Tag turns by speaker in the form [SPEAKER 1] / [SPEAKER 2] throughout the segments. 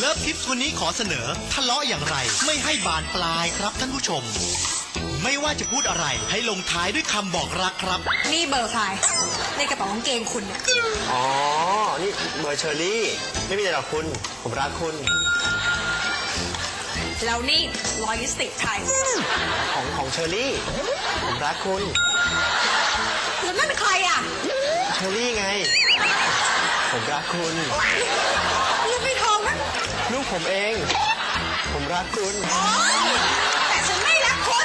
[SPEAKER 1] เลิฟทิปส์วันนี้ขอเสนอทะเลาะอย่างไรไม่ให้บานปลายครับท่านผู้ชมไม่ว่าจะพูดอะไรให้ลงท้ายด้วยคำบอกรักครับ
[SPEAKER 2] นี่เบอร์ใครในกระเป๋ากางเกงคุณเนี่ย
[SPEAKER 3] อ๋อนี่เบอร์เชอรี่ไม่มีอะไรหรอกคุณผมรักคุณ
[SPEAKER 2] แล้วนี่ลอยิสติกใคร
[SPEAKER 3] ของเชอรี่ผมรักคุณ
[SPEAKER 2] แล้วนั่นเป็นใครอ่ะ
[SPEAKER 3] เชอรี่ไงผมรักคุณ
[SPEAKER 2] ลูกไม่ทองนะ
[SPEAKER 3] ลูกผมเองผมรักคุณ
[SPEAKER 2] แต่ฉันไม่รักคุณ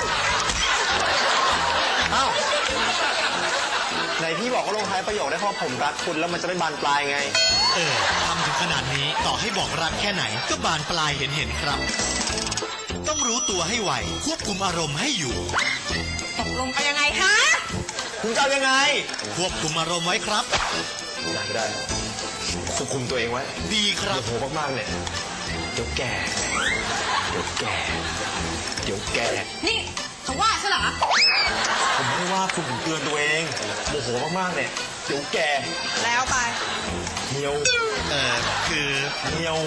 [SPEAKER 3] อ้าวไหนพี่บอกว่าลงท้ายประโยคได้เพราะผมรักคุณแล้วมันจะไม่บานปลายไง
[SPEAKER 1] ทำถึงขนาดนี้ต่อให้บอกรักแค่ไหนก็บานปลายเห็นครับต้องรู้ตัวให้ไวควบคุมอารมณ์ให้อยู่
[SPEAKER 2] ตกลงกันยังไงคะ
[SPEAKER 3] คุณจะเอายังไง
[SPEAKER 1] ควบคุมอารมณ์ไว้ครับ
[SPEAKER 3] ได้ควบคุมตัวเองไว้
[SPEAKER 1] ดีครับ
[SPEAKER 3] โหมากๆเนี่ยเดี๋ยวแก่
[SPEAKER 2] นี่เขาว่าใช่เหรอ
[SPEAKER 3] ผมไม่ว่าคุณเตือนตัวเองโมโหมากๆเนี่ยเดี๋ยวแก่
[SPEAKER 2] แล้วไป
[SPEAKER 3] เนียว
[SPEAKER 1] คือ
[SPEAKER 3] เนียว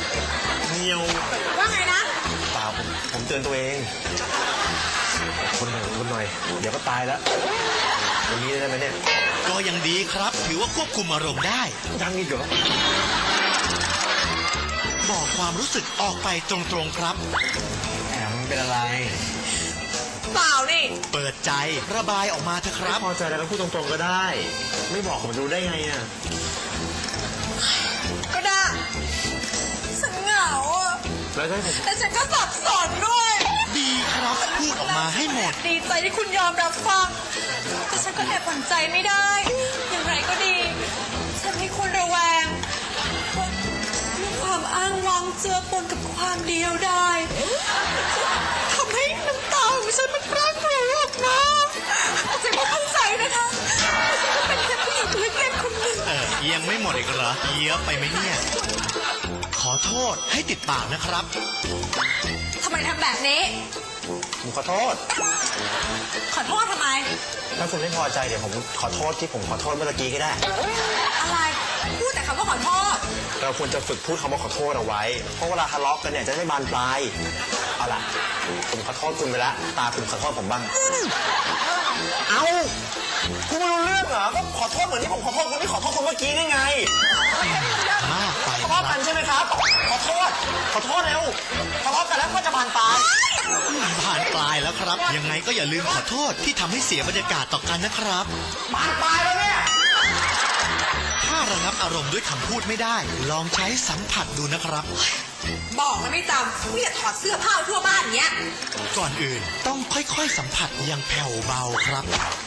[SPEAKER 2] ว่าไงนะ
[SPEAKER 3] เปล่าผมเตือนตัวเองคนหน่อยเดี๋ยวก็ตายแล้ววันนี้ได้ไหมเนี่ย
[SPEAKER 1] ก็ยังดีครับถือว่าควบคุมอารมณ์ได้
[SPEAKER 3] ยังอีกเหรอ
[SPEAKER 1] บอกความรู้สึกออกไปตรงๆครับ
[SPEAKER 3] แหมมันเป็นอะไร
[SPEAKER 2] เปล่านี่
[SPEAKER 1] เปิดใจระบายออกมาเถอะครับ
[SPEAKER 3] พอใจแล้วก็พูดตรงๆก็ได้ไม่บอกผมรู้ได้ไงอ่ะ
[SPEAKER 2] ก็ได้ฉันเหงาอ่ะ
[SPEAKER 3] แล้วให้ผม
[SPEAKER 2] แต่ฉันก็สับสนด้วย
[SPEAKER 1] ดีครับพูดออกมาให้หมด
[SPEAKER 2] ดีใจที่คุณยอมรับฟังแต่ฉันก็แอบหวั่นใจไม่ได้อย่างไรก็ดีฉันให้คุณระแวงมีความอ้างว้างเจือปนกับความเดียวดายทำให้น้ำตาของฉันมันพรั่งพรูออกมาฉันก็เข้าใจนะคะฉันก็เป็นแค่ผู้หญิงเล็กๆคนหนึ่ง
[SPEAKER 1] ยังไม่หมดอีกเหรอเยอะไปไหมเนี่ยขอโทษให้ติดปากนะครับ
[SPEAKER 2] ทำไมทำแบบนี้
[SPEAKER 3] ผมขอโทษ
[SPEAKER 2] ทำไม
[SPEAKER 3] ถ้าคุณไม่พอใจเดี๋ยวผมขอโทษที่ผมขอโทษเมื่อกี้ก็ได้
[SPEAKER 2] อะไรพูดแต่คำว่าขอโทษ
[SPEAKER 3] เราควรจะฝึกพูดคำว่าขอโทษเอาไว้เพราะเวลาทะเลาะกันเนี่ยจะไม่บานปลายเอาล่ะผมขอโทษคุณไปแล้วตาคุณขอโทษผมบ้างเอาคุณไม่รู้เรื่องเหรอก็ขอโทษเหมือนที่ผมขอโทษคุณที่ขอโทษคุณเมื่อกี้นี่ไง
[SPEAKER 1] มากไป
[SPEAKER 3] ทะเลาะกันใช่ไหมครับขอโทษเร็วทะเลาะกันแล้วก็จะบานปลาย
[SPEAKER 1] แล้วครับยังไงก็อย่าลืมขอโทษที่ทำให้เสียบรรยากาศต่อกันนะครับ
[SPEAKER 3] บานปลายแล้วเนี่ย
[SPEAKER 1] ถ้าระงับอารมณ์ด้วยคำพูดไม่ได้ลองใช้สัมผัสดูนะครับ
[SPEAKER 2] บอกแล้วไม่จำไม่อยากถอดเสื้อผ้าทั่วบ้านเนี้ย
[SPEAKER 1] ก่อนอื่นต้องค่อยๆสัมผัสอย่างแผ่วเบาครับ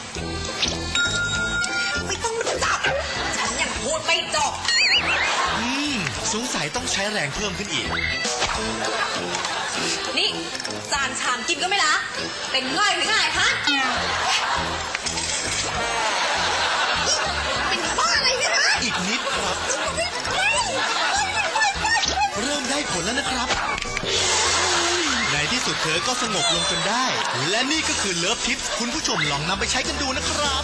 [SPEAKER 2] ไม่ต้องมาจับฉันยังพูดไม่จบ
[SPEAKER 1] สงสัยต้องใช้แรงเพิ่มขึ้นอีก
[SPEAKER 2] นี่จานชามกินก็ไม่ละเป็นง่อยหรือไงฮะเป็นบ้าอะไรเนี่ยนะ
[SPEAKER 1] อีกนิดครับเริ่มได้ผลแล้วนะครับในที่สุดเธอก็สงบลงจนได้และนี่ก็คือเลิฟทิปส์คุณผู้ชมลองนำไปใช้กันดูนะครับ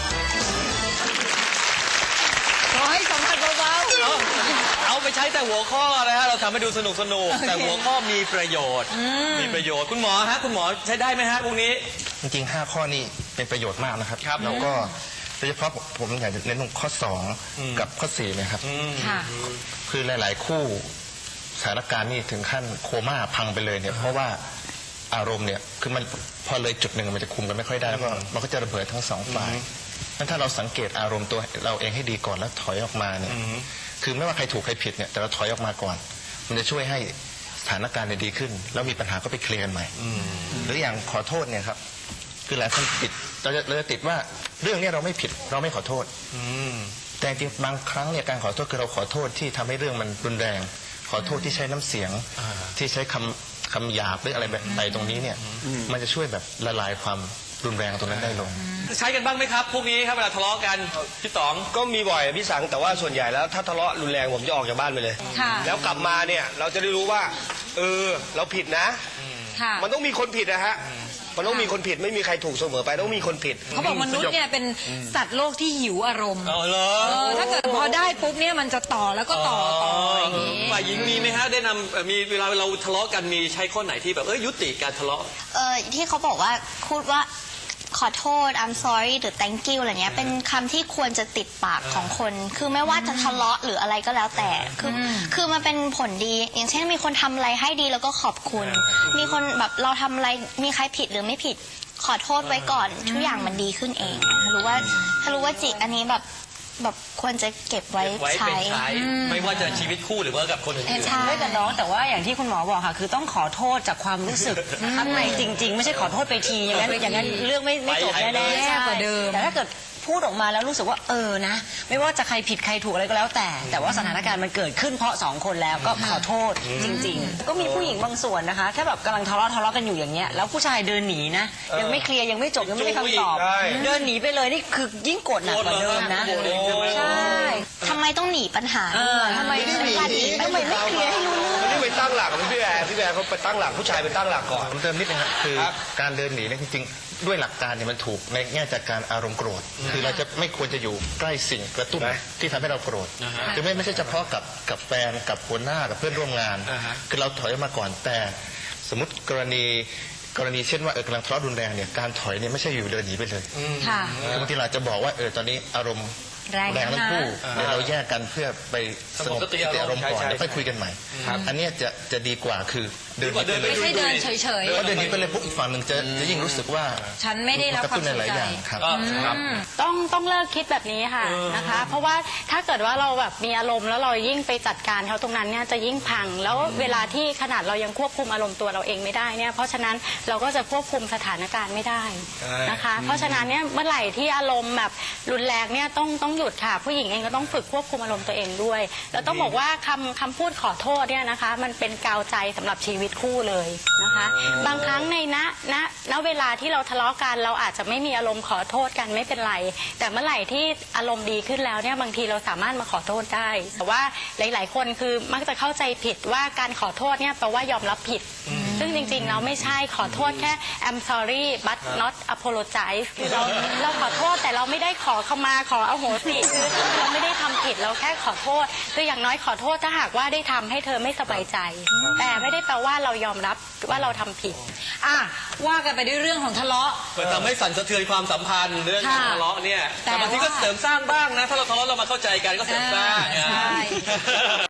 [SPEAKER 4] ขอให้สัมผัสเบาๆเอาไปใช้แต่หัวข้อนะฮะเราทำให้ดูสนุกแต่หัวข้อมีประโยชน์คุณหมอฮะคุณหมอใช้ได้ไหมฮะพวกนี้
[SPEAKER 5] จริงๆ5ข้อนี้เป็นประโยชน์มากนะครับแล้วก็โดยเฉพาะผมอยากจะเน้นตรงข้อ2กับข้อ4นะครับคือหลายๆคู่สถานการณ์นี่ถึงขั้นโคม่าพังไปเลยเนี่ยเพราะว่าอารมณ์เนี่ยคือมันพอเลยจุดหนึ่งมันจะคุมกันไม่ค่อยได้แล้วก็มันก็จะระเบิดทั้ง2ฝ่ายถ้าเราสังเกตอารมณ์ตัวเราเองให้ดีก่อนแล้วถอยออกมาเนี่ยคือไม่ว่าใครถูกใครผิดเนี่ยแต่เราถอยออกมาก่อนมันจะช่วยให้สถานการณ์ดีขึ้นแล้วมีปัญหาก็ไปเคลียร์กันใหม่หรืออย่างขอโทษเนี่ยครับคือหลายคนติดเราจะติดว่าเรื่องนี้เราไม่ผิดเราไม่ขอโทษแต่จริงบางครั้งเนี่ยการขอโทษคือเราขอโทษที่ทำให้เรื่องมันรุนแรงขอโทษที่ใช้น้ำเสียงที่ใช้คำหยาบหรืออะไรแบบใดตรงนี้เนี่ยมันจะช่วยแบบละลายความรุนแรงตรงนั้นได้ลง
[SPEAKER 4] ใช้กันบ้างไหมครับพวกนี้ครับเวลาทะเลาะกันพี่ต๋อง
[SPEAKER 3] ก็มีบ่อยพี่สังแต่ว่าส่วนใหญ่แล้วถ้าทะเลาะรุนแรงผมจะออกจากบ้านไปเลยแล้วกลับมาเนี่ยเราจะได้รู้ว่าเราผิดนะมันต้องมีคนผิดนะฮะมันต้องมีคนผิดไม่มีใครถูกเสมอไปต้องมีคนผิด
[SPEAKER 2] เขาบอกมนุษย์เนี่ยเป็นสัตว์โลกที่หิวอารมณ์
[SPEAKER 4] อ๋อเหรอ
[SPEAKER 2] ถ้าเกิดพอได้ปุ๊บเนี่ยมันจะต่อแล้วก็ต่ออย่างนี้
[SPEAKER 4] ฝ่ายหญิงมีไหมฮะได้นำมีเวลาเราทะเลาะกันมีใช้ข้อไหนที่แบบยุติการทะเลาะ
[SPEAKER 6] ที่เขาบอกว่าพูดว่าขอโทษ I'm sorry หรือ thank you อะไรเงี้ยเป็นคำที่ควรจะติดปากของคน คือไม่ว่าจะทะเลาะหรืออะไรก็แล้วแต่คือมันเป็นผลดีอย่างเช่นมีคนทำอะไรให้ดีแล้วก็ขอบคุณ มีคนแบบเราทำอะไรมีใครผิดหรือไม่ผิดขอโทษไว้ก่อนทุกอย่างมันดีขึ้นเองถ้ารู้ว่าจิอันนี้แบบควรจะเก็บไว้
[SPEAKER 4] ไว้
[SPEAKER 6] ใช้
[SPEAKER 4] เป็นใช้ไม่ว่าจะชีวิตคู่หรือว่ากับคนอื่น
[SPEAKER 6] ใช่
[SPEAKER 7] ไม่กับน้องแต่ว่าอย่างที่คุณหมอบอกค่ะคือต้องขอโทษจากความรู้สึกข้างในจริง ๆ ไม่ใช่ขอโทษไปทีอย่างนั้นเรื่องไม่จบแน่
[SPEAKER 2] แย่กว่าเดิม
[SPEAKER 7] แต่ถ้าเกิดพูดออกมาแล้วรู้สึกว่านะไม่ว่าจะใครผิดใครถูกอะไรก็แล้วแต่ว่าสถานการณ์มันเกิดขึ้นเพราะสองคนแล้วก็ขอโทษจริง ๆ ก็มีผู้หญิงบางส่วนนะคะถ้าแบบกำลังทะเลาะกันอยู่อย่างเงี้ยแล้วผู้ชายเดินหนีนะยังไม่เคลียร์ยังไม่จบยังไม่ได้คำตอบ
[SPEAKER 3] ใช่
[SPEAKER 7] เดินหนีไปเลยนี่คือยิ่งโกรธหนักกว่าเดิมนะ
[SPEAKER 4] โกรธเองใช่ไหม
[SPEAKER 7] ใช่
[SPEAKER 6] ทำไมต้องหนีปัญหา
[SPEAKER 7] ทำไม
[SPEAKER 6] การหนีทำไมไม่เคลียร์ให้รู้เรื่อง
[SPEAKER 3] มันนี่ไปตั้งหลักกับพี่แบร์เขาไปตั้งหลักผู้ชายไปตั้งหลักก่อน
[SPEAKER 5] ผมเติมนิดนึงครับคือการเดินหนีเนี่ยจริงๆด้วยหลักการเนี่ยมันถูกในแง่จากการอารมณ์โกรธคือเราจะไม่ควรจะอยู่ใกล้สิ่งกระตุ้นที่ทำให้เราโกรธคือไม่ใช่เฉพาะกับแฟนกับหัวหน้ากับเพื่อนร่วมงาน คือเราถอยออกมาก่อนแต่สมมติกรณีเช่นว่ากำลังทะเลาะรุนแรงเนี่ยการถอยเนี่ยไม่ใช่อยู่เดินหนีไปเลย
[SPEAKER 2] ค่ะ
[SPEAKER 5] คือบางทีเราจะบอกว่าตอนนี้อารมณ์
[SPEAKER 2] แรง
[SPEAKER 5] ทั้งคู่เดี๋ยวเราแยกกันเพื่อไปสงบสติอารมณ์ก่อน
[SPEAKER 3] ใช่
[SPEAKER 5] แล้วค่อยคุยกันใหม่ อันเนี้ยจะดีกว่าคือเดินหนีไปเลย
[SPEAKER 2] ไม่ใช่เดินเฉย
[SPEAKER 5] เพราะเดินหนีไปเลยปุ๊บอีกฝั่งหนึ่งจะยิ่งรู้สึกว่า
[SPEAKER 2] ๆ ฉันไม่ได้รับ
[SPEAKER 5] กระ
[SPEAKER 2] ความ
[SPEAKER 5] ตุ้นใน
[SPEAKER 2] สน
[SPEAKER 5] หลาย
[SPEAKER 2] ใจ
[SPEAKER 5] อย่างครับ
[SPEAKER 6] ต้องเลิกคิดแบบนี้ค่ะนะคะ เพราะว่าถ้าเกิดว่าเราแบบมีอารมณ์แล้วเรายิ่งไปจัดการเขาตรงนั้นเนี่ยจะยิ่งพัง แล้วเวลาที่ขนาดเรายังควบคุมอารมณ์ตัวเราเองไม่ได้เนี่ยเพราะฉะนั้นเราก็จะควบคุมสถานการณ์ไม่ได้นะคะ เพราะฉะนั้นเนี่ยเมื่อไหร่ที่อารมณ์แบบรุนแรงเนี่ยต้องหยุดค่ะ ผู้หญิงเองก็ต้องฝึกควบคุมอารมณ์ตัวเองด้วยแล้วต้องบอกว่าคำพูดขอโทษเนี่ยนะคะมันเป็นกาวใจสำหรับชีวิตคู่เลยนะคะ บางครั้งในณเวลาที่เราทะเลาะกันเราอาจจะไม่มีอารมณ์ขอโทษกันไม่เป็นไร แต่เมื่อไหร่ที่อารมณ์ดีขึ้นแล้วเนี่ยบางทีเราสามารถมาขอโทษได้แต่ว่าหลายๆคนคือมักจะเข้าใจผิดว่าการขอโทษเนี่ยแปลว่ายอมรับผิด ซึ่งจริงๆเราไม่ใช่ขอโทษแค่ I'm sorry but not apologize คือเราขอโทษแต่เราไม่ได้ขอเข้ามาขออโหสิคือเราไม่ได้ทำผิดเราแค่ขอโทษคืออย่างน้อยขอโทษถ้าหากว่าได้ทำให้เธอไม่สบายใจ แต่ไม่ได้แปลว่าเรายอมรับว่าเราทำผิด
[SPEAKER 2] ว่ากันไปด้วยเรื่องของทะเลาะ
[SPEAKER 4] มันทำให้สั่นสะเทือนความสัมพันธ์เรื่องการ
[SPEAKER 2] ค่ะ
[SPEAKER 4] ทะเลาะเนี่ย
[SPEAKER 2] แต่
[SPEAKER 4] แต่บางทีก็
[SPEAKER 2] ว่า
[SPEAKER 4] เสริมสร้างบ้างนะ ถ้าเราทะเลาะเรามาเข้าใจกันก็เสริมสร้าง
[SPEAKER 2] ใช่